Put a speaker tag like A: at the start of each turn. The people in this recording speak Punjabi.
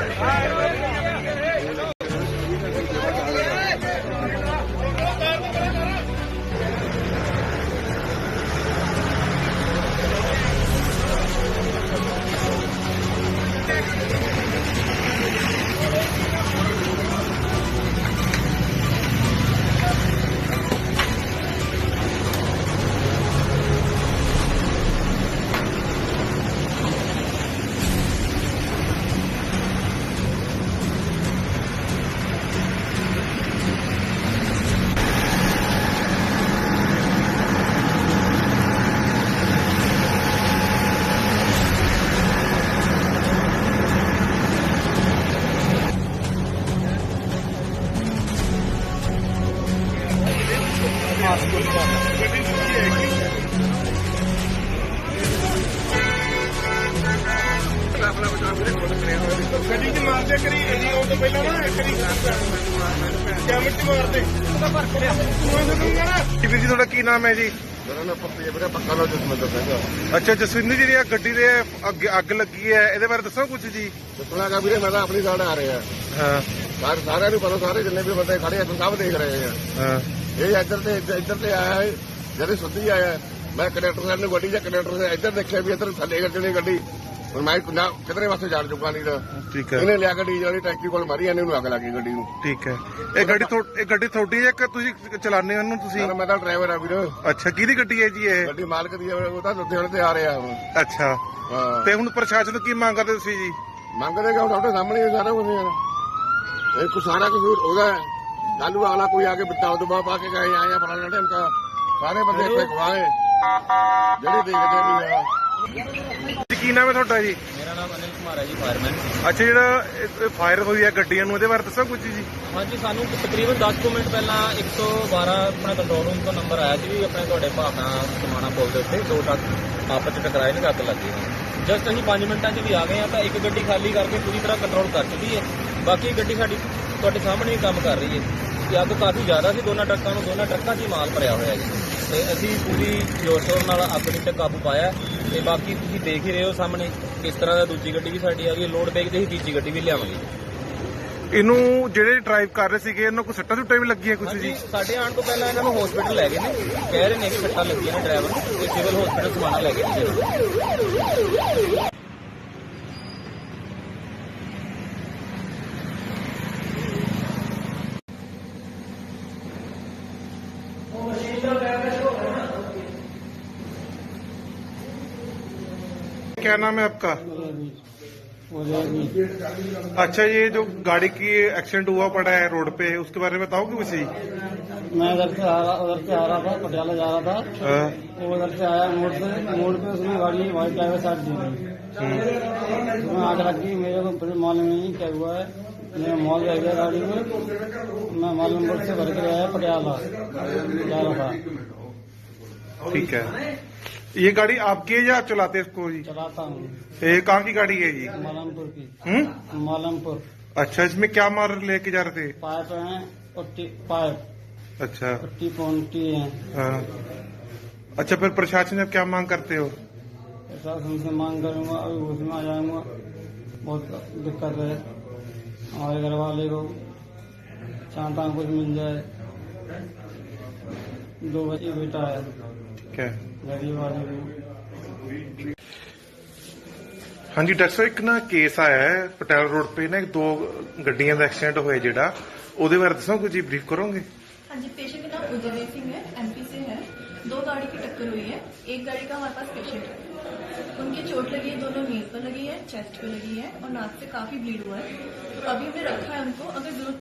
A: ਗੱਡੀ ਚ ਮਾਰਦੇ ਕਰੀ ਜੀ ਉਹ ਤੋਂ ਪਹਿਲਾਂ ਨਾ ਕਰੀ ਕੈਮਰੇ ਚ ਮਾਰਦੇ ਉਹਦਾ ਫਰਕ ਰਿਹਾ ਵੀਰ ਜੀ। ਤੁਹਾਡਾ ਕੀ ਨਾਮ ਹੈ ਜੀ?
B: ਮੇਰਾ ਨਾਮ ਵੀਰੇ ਪੱਕਾ ਨਾਮ ਜਸਵਿੰਦਰ ਸਿੰਘ।
A: ਅੱਛਾ ਜਸਵਿੰਦਰ ਜੀ, ਜਿਹੜੀ ਗੱਡੀ ਦੇ ਅੱਗ ਲੱਗੀ ਹੈ ਇਹਦੇ ਬਾਰੇ ਦੱਸੋ ਕੁਝ ਜੀ।
B: ਦੱਸਣਾ ਕਾ ਵੀਰੇ, ਮੈਂ ਤਾਂ ਆਪਣੀ ਸਾਈਡ ਆ ਰਿਹਾ
A: ਹਾਂ,
B: ਸਾਰਿਆਂ ਨੂੰ ਪਤਾ, ਸਾਰੇ ਜਿੰਨੇ ਵੀ ਬੰਦੇ ਖੜੇ ਆ ਸਭ ਦੇਖ ਰਹੇ ਆ।
A: ਹਾਂ,
B: ਇਹ ਇੱਧਰ ਤੇ ਆਇਆ ਹੈ, ਜਿਹੜੇ ਸਿੱਧੀ ਆਇਆ। ਮੈਂ ਕੰਡਕਟਰ ਸਾਹਿਬ ਨੂੰ ਗੱਡੀ ਜਾਂ ਕੰਡਕਟਰ ਨੇ ਇੱਧਰ ਦੇਖਿਆ ਵੀ ਇੱਧਰ ਥੱਲੇ ਗੱਡੀ ਗੱਡੀ ਹੁਣ ਮੈਂ ਕਿਧਰੇ ਪਾਸੇ ਜਾਣ ਚੁੱਕਾ ਨਹੀਂ ਤਾਂ
A: ਠੀਕ ਹੈ।
B: ਇਹਨੇ ਲਿਆ ਗੱਡੀ ਜਿਹੜੀ ਟੈਂਕੀ ਕੋਲ ਮਾਰੀ ਇਹਨੂੰ ਅੱਗ ਲੱਗੀ ਗੱਡੀ ਨੂੰ।
A: ਠੀਕ ਹੈ। ਇਹ ਗੱਡੀ ਤੁਹਾਡੀ ਹੈ ਕਿ ਤੁਸੀਂ ਚਲਾਉਂਦੇ ਹੋ ਇਹਨੂੰ? ਤੁਸੀਂ?
B: ਮੈਂ ਤਾਂ ਡਰਾਈਵਰ ਆ ਵੀਰ।
A: ਅੱਛਾ, ਕਿਹਦੀ ਗੱਡੀ ਹੈ ਜੀ ਇਹ?
B: ਗੱਡੀ ਮਾਲਕ ਦੀ ਹੈ, ਉਹ ਤਾਂ ਲੁਧਿਆਣੇ ਤੇ ਆ ਰਿਹਾ ਹੁਣ।
A: ਅੱਛਾ,
B: ਹਾਂ।
A: ਤੇ ਹੁਣ ਪ੍ਰਸ਼ਾਸਨ ਤੋਂ ਕੀ ਮੰਗ ਕਰਦੇ ਤੁਸੀਂ ਜੀ?
B: ਮੰਗਦੇ ਕਿ ਤੁਹਾਡੇ ਸਾਹਮਣੇ ਹੀ ਸਾਰਾ ਕੁਝ ਯਾਰ, ਇਹ ਸਾਰਾ ਕਸੂਰ ਉਹਦਾ ਹੈ। ਕੱਲੂ ਅਗਲਾ ਕੋਈ ਆ ਕੇ ਬਿੱਟਾ ਦਬਾ ਪਾ ਕੇ ਗਏ ਆਇਆ ਫਲਾਣਾ ਢਮਕਾ, ਸਾਰੇ ਬੰਦੇ ਇੱਥੇ ਗਵਾਏ ਜਿਹੜੇ ਦੇਖਦੇ ਨਹੀਂ ਆ।
A: ਕੀ ਨਾਮ ਹੈ ਤੁਹਾਡਾ ਜੀ?
C: ਮੇਰਾ ਨਾਮ ਅਨਿਲ ਕੁਮਾਰ ਹੈ ਜੀ, ਫਾਇਰਮੈਨ।
A: ਅੱਛਾ, ਜਿਹੜਾ ਫਾਇਰ ਹੋਈ ਹੈ ਗੱਡੀਆਂ ਨੂੰ, ਇਹਦੇ ਬਾਰੇ ਦੱਸੋ ਕੁਝ ਜੀ।
C: ਹਾਂਜੀ, ਸਾਨੂੰ ਤਕਰੀਬਨ 10 ਕੁ ਮਿੰਟ ਪਹਿਲਾਂ 112 ਆਪਣਾ ਕੰਟਰੋਲ ਰੂਮ ਤੋਂ ਨੰਬਰ ਆਇਆ ਸੀ ਵੀ ਆਪਣੇ ਤੁਹਾਡੇ ਭਾਵਨਾ ਸਮਾਣਾ ਪੁਲ ਦੇ ਉੱਤੇ 2 ਟਰੱਕ ਆਪਸ ਵਿੱਚ ਟਕਰਾਏ ਨੇ, ਅੱਗ ਲੱਗੀ ਹੈ। ਜਸਟ ਅਸੀਂ 5 ਮਿੰਟਾਂ 'ਚ ਵੀ ਆ ਗਏ ਹਾਂ ਤਾਂ ਇੱਕ ਗੱਡੀ ਖਾਲੀ ਕਰਕੇ ਪੂਰੀ ਤਰ੍ਹਾਂ ਕੰਟਰੋਲ ਕਰ ਚੁੱਕੀ ਹੈ। ਬਾਕੀ ਗੱਡੀ ਸਾਡੀ ਤੁਹਾਡੇ ਸਾਹਮਣੇ ਹੀ ਕੰਮ ਕਰ ਰਹੀ ਹੈ। ਕਿ ਅੱਗ ਕਾਫੀ ਜ਼ਿਆਦਾ ਸੀ, ਦੋਨਾਂ ਟਰੱਕਾਂ 'ਚ ਹੀ ਮਾਲ ਭਰਿਆ ਹੋਇਆ ਜੀ, ਤੇ ਅਸੀਂ ਪੂਰੀ ਜ਼ੋਰ ਸ਼ੋਰ ਨਾਲ ਅੱਗ ਤੇ ਕਾਬੂ ਪਾਇਆ। ਤੇ ਬਾਕੀ ਤੁਸੀਂ ਦੇਖ ਹੀ ਰਹੇ ਹੋ ਸਾਹਮਣੇ ਕਿਸ ਤਰ੍ਹਾਂ ਦਾ ਦੂਜੀ ਗੱਡੀ ਵੀ ਸਾਡੀ ਆ ਗਈ। ਲੋਡ ਦੇਖਦੇ ਹੀ ਤੀਜੀ ਗੱਡੀ ਵੀ ਲਿਆਵਾਂਗੇ।
A: ਇਹਨੂੰ ਜਿਹੜੇ ਡਰਾਈਵ ਕਰ ਰਹੇ ਸੀਗੇ ਇਹਨਾਂ ਕੋਈ ਸੱਟਾਂ ਸੁੱਟਾਂ ਵੀ ਲੱਗੀਆਂ ਕੁਝ ਜੀ?
C: ਸਾਡੇ ਆਉਣ ਤੋਂ ਪਹਿਲਾਂ ਇਹਨਾਂ ਨੂੰ ਹਸਪੀਟਲ ਲੈ ਗਏ ਨੇ, ਕਹਿ ਰਹੇ ਨੇ ਕਿ ਸੱਟਾਂ ਲੱਗੀਆਂ ਨੇ ਡਰਾਈਵਰ ਨੂੰ, ਤੇ ਸਿਵਲ ਹਸਪੀਟਲ ਸਮਾਣਾ ਲੈ ਗਏ ਨੇ।
A: क्या नाम है आपका? अच्छा, ये जो गाड़ी की एक्सीडेंट हुआ पड़ा है रोड पे, उसके बारे में बताओगे कुछ ही?
D: मैं उधर से आ रहा था, पटियाला जा रहा था। वो उधर से आया मोड़ पे उसने गाड़ी वाइट ड्राइवर साइड दी गई, उसमें आग लगी। मेरे को फिर मालूम नहीं क्या हुआ है। मैं मॉल रह गया गाड़ी में, मैं माल नंबर से भर के आया, पटियाला जा रहा था।
A: ठीक है। ये गाड़ी आपकी है या आप चलाते हैं इसको जी?
D: चलाता हूँ।
A: ये कहाँ की गाड़ी है जी?
D: मालमपुर की।
A: मालमपुर। अच्छा, इसमें क्या माल लेके जा रहे थे?
D: पाइप है, पाइप।
A: अच्छा,
D: पट्टी पौंटी है।
A: हाँ। अच्छा, फिर प्रशासन से क्या मांग करते हो?
D: प्रशासन से मांग करूंगा, अभी उसमें आ जाऊंगा। बहुत दिक्कत है हमारे घर वाले को, चाहता हूँ कुछ मिल जाए। 2 बच्चे बेटा है,
A: क्या?
D: गरीब आदमी।
A: हाँ जी डॉक्टर साहब, एक ना केस आया है पटियाला रोड पे ना, 2 ਗੱਡੀਆਂ ਦਾ एक्सीडेंट ਹੋਇਆ ਜਿਹੜਾ, ਉਹਦੇ ਬਾਰੇ ਦੱਸੋ कुछ ब्रीफ करोगे?
E: हाँ जी, पेशेंट का नाम उदय सिंह है, एमपी से है। 2 गाड़ी की टक्कर हुई है। एक गाड़ी का हमारे पास पेशेंट है, उनकी चोट लगी है, दोनों नीज पर लगी है, चेस्ट पे लगी है और नाक से काफी ब्लीड हुआ है। तो अभी हमने रखा है उनको, अगर जरूरत